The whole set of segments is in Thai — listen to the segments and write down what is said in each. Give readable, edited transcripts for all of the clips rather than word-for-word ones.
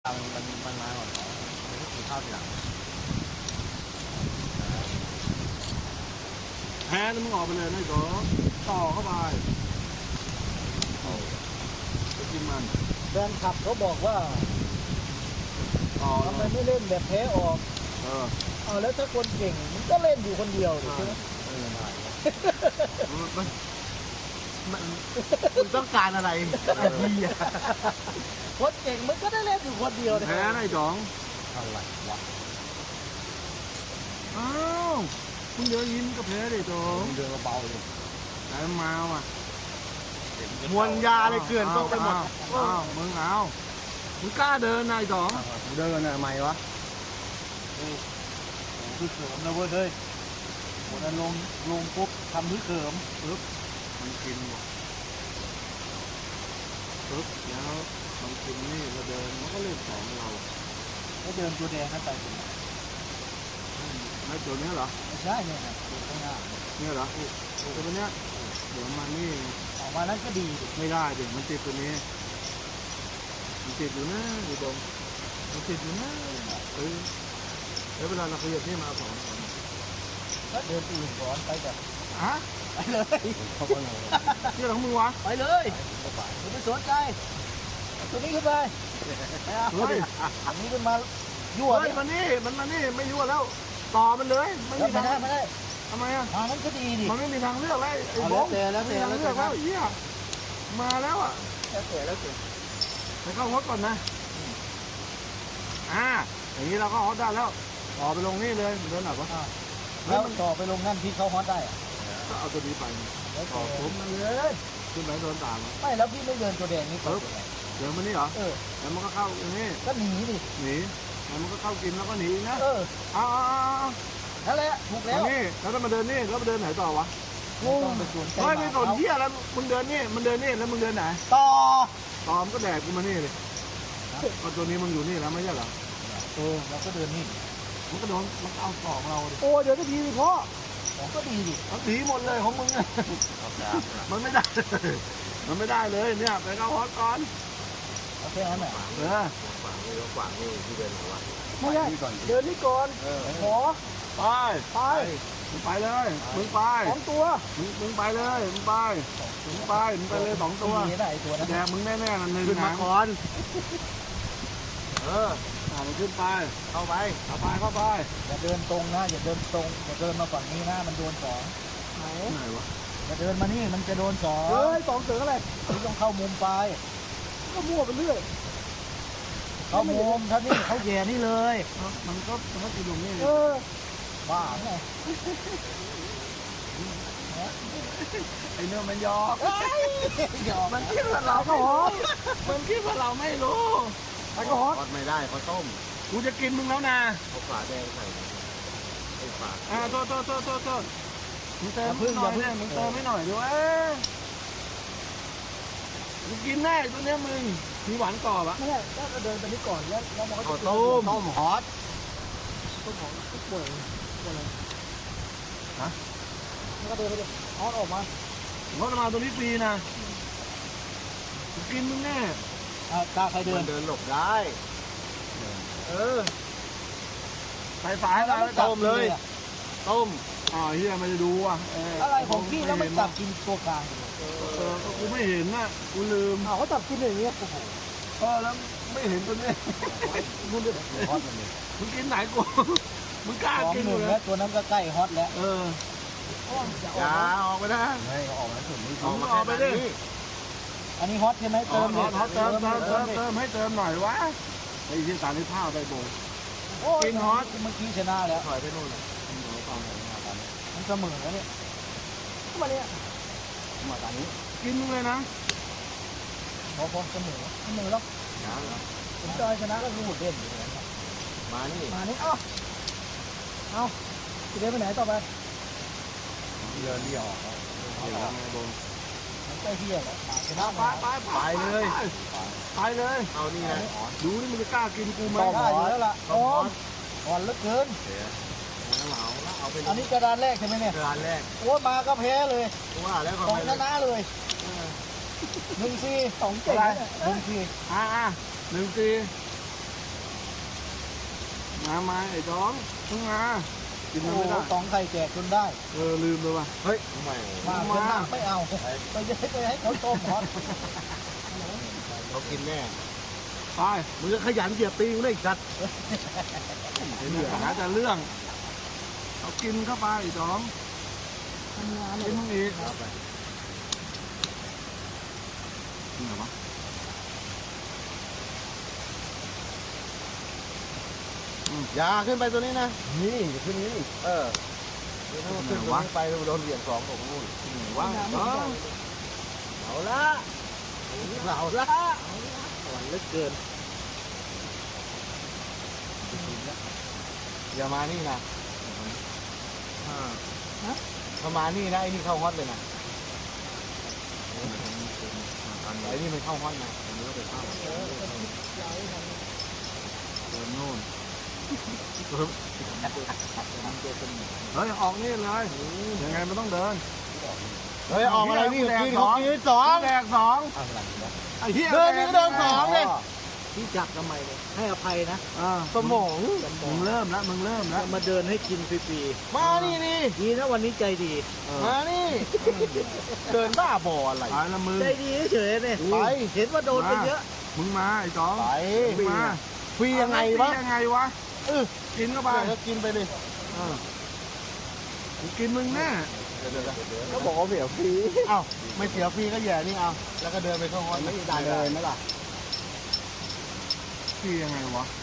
มันมาก่อนมันก็กินข้าวทีหลังแพ้แล้วมึงออกไปเลยนะจ๊อต่อเข้าไปจะกินมันแฟนคลับเขาบอกว่าทำไมไม่เล่นแบบแพ้ออกเอาแล้วถ้าคนเก่งมันก็เล่นอยู่คนเดียวใช่ไหมมันต้องการอะไรคนเก่งมันก็ได้เล่นอยู่คนเดียวแพ้ไอ้จ๋องอะไรวะอ้าวคุณเดินยิ้มก็แพ้ดิจ๋องเดินเบาเลยแต่มาว่ะมวนยาเลยเกลื่อนต้องไปหมดมึงเอามึงกล้าเดินนายจ๋องเดินอะไรไหมวะคือเขิมนะเว้ยเฮ้ยวันนั้นลงปุ๊บทำคือเขิมปึ๊บมันกินหมดปึ๊บแล้วมันกินนี่เราเดินมันก็เล่นของเราแล้วเดินตัวแดงนั้นไปไอ้ตัวนี้เหรอไม่ใช่เนี่ยนะตัวข้างหน้าเนี่ยเหรอตัวนี้เดี๋ยวมานี่ออกมานั้นก็ดีไม่ได้เดี๋ยวมันติดตัวนี้มันติดอยู่นะอยู่ตรงมันติดอยู่นะแล้วเวลาเราขยับนี่มาสองก็เดินอื่นก่อนไปแบบไปเลยที่เราของมึงวะไปเลยไม่สนใจตัวนี้ขึ้นไปอันนี้ขึ้นมายั่วมันนี่ไม่ยั่วแล้วต่อมันเลยไม่ได้ทำไมอ่ะมันก็ดีดิมันไม่มีทางเลือกแล้วไอ้บงแล้วไม่มีทางเลือกแล้วเหี้ยมาแล้วอ่ะแล้วไปเข้าฮอตก่อนนะอย่างนี้เราก็ฮอตได้แล้วต่อไปลงนี่เลยเดินหนักวะแล้วมันต่อไปลงนั่นที่เขาฮอตได้ก็เอาตัวนี้ไปต่อผมมันเลยขึ้นไปโดนตามไม่แล้วพี่ไม่เดินตัวแดงนี่เดินมานี่เหรอแล้วมันก็เข้าอย่างนี้ก็หนีดิหนีแล้วมันก็เข้ากินแล้วก็หนีนะเอานั่นแหละถูกแล้วนี่แล้วมาเดินนี่แล้วมาเดินไหนต่อวะงงไม่สนเที่ยแล้วมึงเดินนี่มันเดินนี่แล้วมึงเดินไหนต่อมันก็แดกกูมานี่เลยพอตัวนี้มึงอยู่นี่แล้วไม่ใช่เหรอเราก็เดินนี่มันก็โดนมันเอาสองเราดิโอ้เดี๋ยวก็ดีดิพ่อก็ดีดิมันดีหมดเลยของมึงมันไม่ได้เลยเนี่ยไปเข้าฮอตก่อนโอเคงั้นแหละขวางนี่ที่เดินหัวไม่ใช่เดินนี่ก่อนขอมึงไปเลยมึงไป 2 ตัวมึงไปเลยมึงไปเลย2 ตัวแดกมึงแน่ๆนั่นเลยขึ้นมาก่อนมันขึ้นไปเข้าไปอย่าเดินตรงนะอย่าเดินตรงอย่าเดินมาฝั่งนี้นะมันโดน2 ไหนวะอย่าเดินมานี่มันจะโดน2เฮ้ย2เสืออะไรต้องเข้ามุมไปก็มั่วไปเรื่อยเข้ามุมท่านนี่เขาแย่นี่เลยมันก็ติดตรงนี้บ้าไงไอ้เนื้อมันยอกมันคิดว่าเราก็ฮอตมันคิดว่าเราไม่รู้ไอ้ก็ฮอตไม่ได้เขาต้มกูจะกินมึงแล้วนะเอาฝาแดงใส่ไอ้ฝาโทษมึงเติมหน่อยเนี่ยมึงเติมไม่หน่อยด้วยมึงกินแน่ตัวเนี้ยมึงมีหวานกรอบอะไม่ใช่ก็เดินไปนี่ก่อนแล้วมันก็จะต้มฮอตป่วยอะไรมันก็เดินไปดิฮอตออกมาตัวนี้ฟรีนะกินมึงแน่ตาใครเดินหลบได้ใส่ฝาแล้วต้มเลยต้มเฮียไม่ได้ดูอ่ะอะไรของพี่แล้วมันจับกินตัวกลางกูไม่เห็นน่ะกูลืมเขาจับกินอย่างเงี้ยแล้วไม่เห็นตัวนี้มึงกินไหนกูมึงกล้ากินเลยตัวนั้นก็ใกล้ฮอตแล้วอย่าออกไปนะไม่ออกมาถึงนี่ออกไปดิอันนี้ฮอตใช่ไหมเติมเติมให้เติมหน่อยวะไอ้ที่ตาในผ้าไปโบกินฮอตเมื่อกี้ชนะแล้วถอยไปนู่นเลยมันเสมอแล้วเนี่ยมาเนี่ยมาตอนนี้กินมึงเลยนะพอเสมอแล้วผมจะชนะก็รู้หมดเด่นมานี่เอาจะเดินไปไหนต่อไปเดินที่ออกใกล้เที่ยงแล้วชนะไปเลยเอานี่นะดูนี่มึงจะกล้ากินกูไหมได้อยู่แล้วล่ะอ่อนเหลือเกินอันนี้กระดานแรกใช่ไหมเนี่ยกระดานแรกโอ้มาก็แพ้เลยว่าแล้วก็ชนะเลย1-4 2 เก่ง1-4 1-4 มาไอ้จ้องมึงมากินโอ้มันไม่ได้ตองไข่แจกจนได้ลืมเลยว่ะเฮ้ยทำไมมาเพื่อนหนักไม่เอาไปให้เขาต้มฮอตเขากินแน่ไปมึงจะขยันเหยียบตีนได้อีกสัตว์ไอ้เนี่ยหาแต่เรื่องเอากินเข้าไปไอ้จ้องทำงานเลกิยนมึงอีกเอาไปกินเหรอวะอย่าขึ้นไปตัวนี้นะนี่ขึ้นนี้เออเดี๋ยวถ้ามันขึ้นตัวนี้ไปโดนเหรียญ2ตกนู่นวะเอาละเอาละหวานเหลือเกินอย่ามานี่นะถ้ามานี่นะไอ้นี่เข้าฮอตเลยนะไอ้นี่มันเข้าฮอตนะอันนี้ก็ไปเข้าเดินโน่นเฮ้ยออกนี่เลยยังไงมันต้องเดินเฮ้ยออกอะไรนี่กินเขากินสองแดกสองไอ้เหี้ยเดินนี่ก็เดินสองเลยที่จับทำไมเนี่ยให้อภัยนะสมองมึงเริ่มแล้วมึงเริ่มแล้วมาเดินให้กินฟรีมานี่นี่ๆดีนะวันนี้ใจดีมานี่เดินบ้าบออะไรไปละมึงใจดีเฉยๆเนี่ยไปเห็นว่าโดนไปเยอะมึงมาไอ้จ้องไปมึงมาฟรียังไงวะยังไงวะ กินเข้าไปก็กินไปเลยกูกินมึงแน่ก็บอกว่าเสียฟรีเอ้าไม่เสียฟรีก็แย่นี่เอาแล้วก็เดินไปเข้าฮอตไม่ได้เลยไหมล่ะพี่ยังไงวะ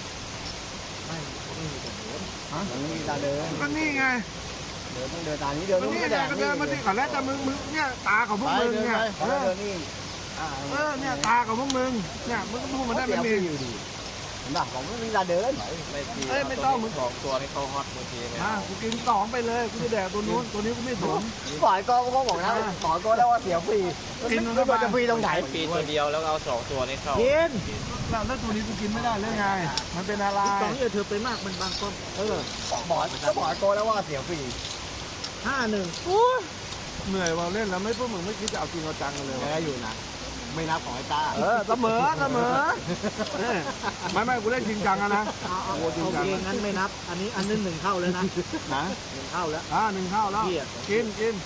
มันมีตาเดินก็นี่ไงเดินต้องเดินตานี้เดินก็ต้องนี่ไม่ไงแดงก็นี่เดินมาที่ก่อนแล้วแต่มึงเนี่ยตาของพวกมึงเนี่ยเดินนี่เนี่ยตาของพวกมึงเนี่ยมึงก็พูดมาได้ไม่มีอยู่ดีเห็นป่ะผมไม่มีตาเดินเอ้ยไม่ต้องมึงสองตัวให้เข้าฮอตเมื่อกี้เนี่ยกูกินสองไปเลยกูจะแดกตัวนู้นตัวนี้กูไม่สนฝ่ายก็บอกนะสองตัวแล้วว่าเสียฟรีกินมันไม่เข้าไปว่าจะฟรีตรงไหนปีตัวเดียวแล้วเอา2 ตัวนี้เข้ากินแล้วตัวนี้กูกินไม่ได้เลยไง มันเป็นอะไรสองอย่าเธอไปมากมันบางก้อนบอกตัวแล้วว่าเสียฟรี 5-1 เหนื่อยว่าเล่นแล้วไม่พวกมึงไม่คิดจะเอาจริงเอาจังกันเลยแพ้อยู่นะ ไม่นับของไอ้ตาเสมอไม่กูเล่นจริงจังอะนะเอาโอเคงั้นไม่นับ อันนี้อันนึง1เข้าแล้วนะนะ 1เข้าแล้วหนึ่งข้าวแล้วเหี้ยกินกิน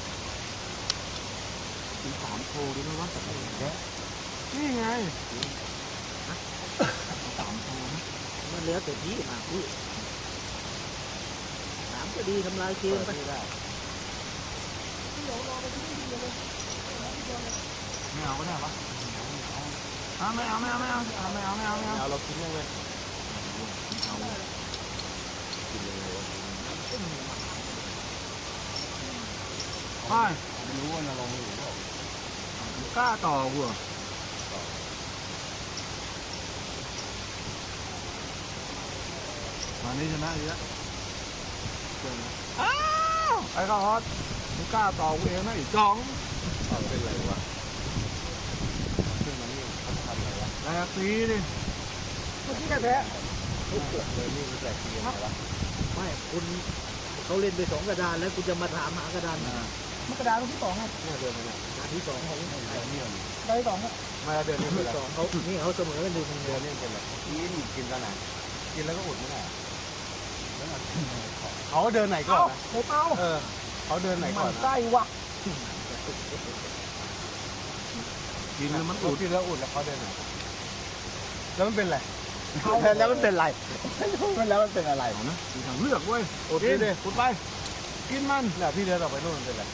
3โทรดูนะวะนี่ไงมันเหลือแต่ที่มาพี่ถามก็ดีทำลายเกมไปไม่เอาก็ได้ปะไม่เอาเรากินยังไงไปไม่รู้ว่าเราลงอยู่เปล่ากล้าต่อกูมานี่ชนะอีกแล้วไอ้ข้าวฮอตมึงกล้าต่อกูเองนะอีกจ้องเป็นไรวะขึ้นมานี่เขาทำอะไรวะแลกตีดิเมื่อกี้แพ้เลยนี่มันแจกฟรียังไงวะไม่คุณเขาเล่นไป2 กระดานแล้วคุณจะมาถามหากระดานมันกระดานที่2ครับเนี่ยเดินไปเนี่ยกระดานที่2เขาได้ได้2ครับมาเดินนี่เป็นไร 2เขานี่เขาเสมอกัน1-1 เดินนี่เป็นไรกินตอนไหนกินแล้วก็อุดไม่ได้เขาเดินไหนก่อนนะเอ้าเขาเดินไหนก่อนใกล้วะกินแล้วมันอุอุดดกินแล้วอุดแล้วเขาเดินไหนแล้วมันเป็นไรแล้วมันเป็นไรแล้วมันเป็นอะไรนะมีทางเลือกเว้ยอุดดิอุดไปกินมันเนี่ยพี่เดินออกไปนู่นมันเป็นไร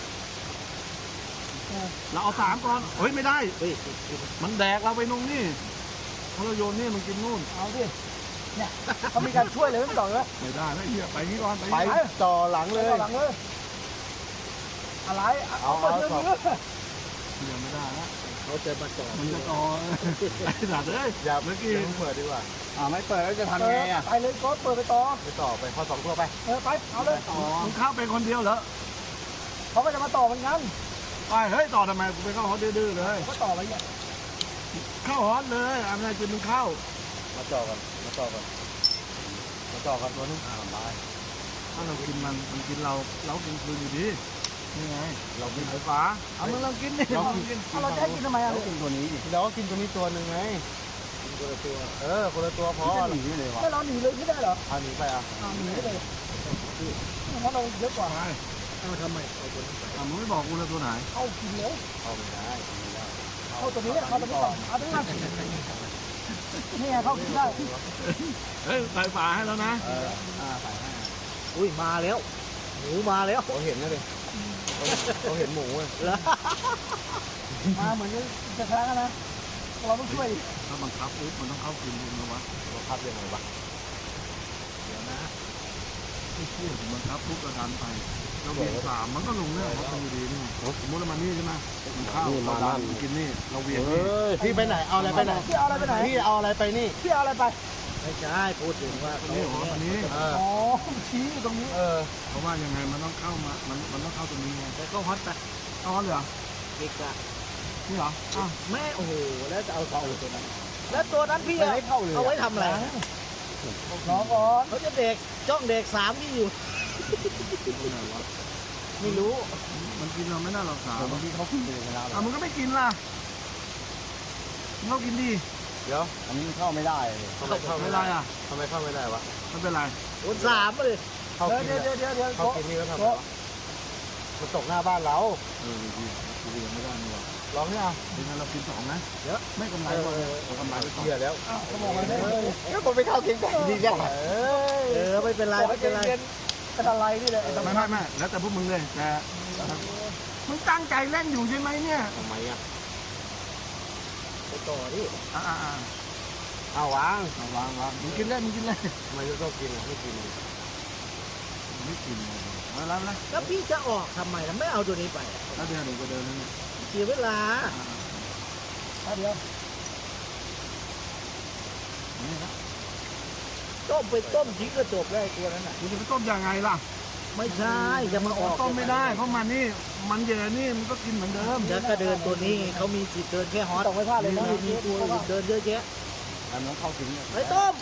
เราเอา3ก่อนเฮ้ยไม่ได้เฮ้ยมันแดกเราไปตรงนี้พอเราโยนนี่มันกินนู่นเอาดิเนี่ยเขามีการช่วยเลยไม่ต้องเลยไม่ได้ไม่เหี้ยไปงี้ก่อนไปไปงี้ต่อหลังเลยหลังเลยอะไรเอาเหี้ยไม่ได้ละเขาจะมาต่อมันจะต่อไอ้สัตว์เอ้ยอย่าเมื่อกี้เปิดดีกว่าไม่เปิดแล้วจะทำไปไงอ่ะเลยก็เปิดไปต่อไปต่อไปข้อ2ตัวไปไปเอาเลยมึงเข้าไปคนเดียวเหรอเขาก็จะมาต่อเหมือนกันไปเฮ้ยต่อทำไมกูไปเข้าฮอตดื้อๆเลยก็ต่อไปเนี่ยเข้าฮอตเลยอะไรจะมึงเข้ามาต่อกันตัวนึงไปถ้าเรากินมันกินเรากินคืนอยู่ดีนี่ไงเรากินไฟฟ้าเอามึงลองกินดิเรากินเราจะให้กินทำไมอ่ะเรากินตัวนี้ดิเราก็กินตัวนี้ตัวหนึ่งไงคนละตัวคนละตัวพอหนีเลยวะถ้าเราหนีเลยไม่ได้เหรอเอาหนีไปอ่ะหนีไม่เลยเพราะเราเยอะกว่าเอาทำไมเอาตัวนั้นไปมึงไม่บอกกูเลยตัวไหนเข้ากินแล้วเอาไม่ได้เข้าตัวนี้เข้าตัวนี้ก่อนเอาตัวนี้นี่เข้ากินได้เฮ้ยใส่ฝาให้แล้วนะใส่ให้อุ้ยมาแล้วหมูมาแล้วเขาเห็นนะดิเขาเห็นหมูเลยมาเหมือนจะแพ้กันนะเราต้องช่วยถ้าบังคับปุ๊บมันต้องเข้ากินดูนะวะเขาพับยังไงวะเดี๋ยวนะไม่เชื่อผมบังคับปุ๊บก็ดันไปเราเวียนสามมันก็ลงเนี่ยเพราะมันอยู่ดีนี่สมมติเรามานี่ใช่ไหมมันเข้าเราดันกินนี่เราเวียนนี่พี่ไปไหนเอาอะไรไปไหนพี่เอาอะไรไปไหนพี่เอาอะไรไปนี่พี่เอาอะไรไปไม่ใช่พูดถึงว่าตัวนี้หรอตัวนี้อ๋อชี้อยู่ตรงนี้เพราะว่ายังไงมันต้องเข้ามามันต้องเข้าตรงนี้ไงแล้วก็ฮอตไปอ๋อเหรออีกอะนี่เหรออ้าวแม่โอ้โหแล้วจะเอาตัวตัวนั้นแล้วตัวนั้นพี่ไม่เข้าเลยเอาไว้ทำอะไรน้องก่อนเขาจะเด็กจ้องเด็กสามที่อยู่ตัวไหนวะไม่รู้มันกินเราไม่น่าหรอกสาวบางทีเขาขึ้นไปในน้ำอ่ะมึงก็ไม่กินล่ะมึงก็กินดิเดี๋ยวอันนี้เข้าไม่ได้ทำไมเข้าไม่ไม่ได้ได้อ่ะทำไมเข้าไม่ได้วะไม่เป็นไรคนสามเลยเข้ากินเดี๋ยวเข้ากินนี่ก็ทำไงวะมันตกหน้าบ้านเรากูยังไม่ได้นี่หรอลองนี่เอาเป็นไงเรากินสองนะเยอะไม่กำไรหมดเรากำไรไปสองเหี้ยแล้วเขาบอกว่าก็ผมไปเข้ากินก่อนดีจังไม่เป็นไรไม่เป็นไรเป็นอะไรนี่เลยไม่แล้วแต่พวกมึงเลยแต่มึงตั้งใจเล่นอยู่ใช่ไหมเนี่ยทำไมอ่ะไปต่อที่เอาวางวางมึงกินเล่นมึงกินเล่นทำไมจะต้องกินอ่ะไม่กินไม่กินมาแล้วนะแล้วพี่จะออกทำไมล่ะไม่เอาตัวนี้ไปแล้วเดินหนูก็เดินนั่นเนี่ยเสียเวลาเดี๋ยวนี่นะต้มไปต้มทิ้งก็จบแล้วไอ้ตัวนั้นน่ะมึงจะไปต้มยังไงล่ะไม่ใช่จะมาออกต้มไม่ได้เพราะมันนี่มันเยอะนี่มันก็กินเหมือนเดิมแล้วก็เดินตัวนี้เขามีสิทธิ์เดินแค่ฮอตต้องไม่พลาดเลยนะมีตัวอื่นเดินเยอะแยะอันนั้นเข้ากินเนี่ยไปต้ม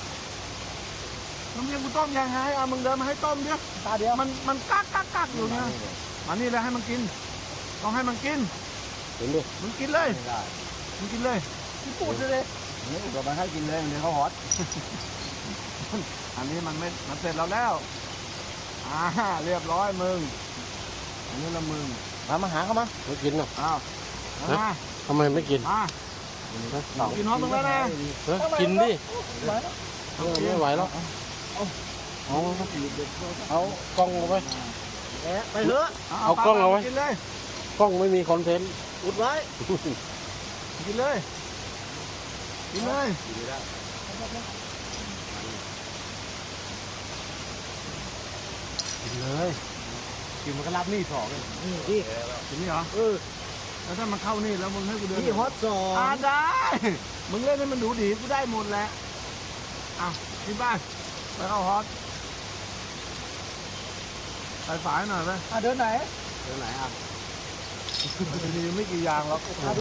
น้ำเย็นกูต้มยังไงอ่ะมึงเดินมาให้ต้มดิตาเดียวมันกักอยู่เนี่ยมานี่เลยให้มันกินต้องให้มันกินกินดิมึงกินเลยไม่ได้มึงกินเลยพี่ปูดเลยนี่อุปกรณ์ให้กินเลยเดี๋ยวเขาฮอตอันนี้มันเสร็จแล้วแล้วเรียบร้อยมึงอันนี้ละมึงมาหาเขามาไม่กินหรอกอ้าวมาทำไมไม่กินกินน้องมึงแล้วนะกินดิไม่ไหวแล้วเอากล้องเอาไว้ไปเถอะเอากล้องเอาไว้กินเลยกล้องไม่มีคอนเทนต์อุดไว้กินเลยกินเลยกินเลยกินมันก็รับนี่สองเลยนี่พี่กินนี่เหรอแล้วถ้ามันเข้านี่แล้วมึงให้กูเดินพี่ฮอตสองได้ มึงเล่นให้มันดูดีกูได้หมดแหละอ้าวที่บ้านไปเข้าฮอตไปฝายหน่อยไปเดินไหนเดี๋ยวไหนอ่ะมีไม่กี่อย่างหรอก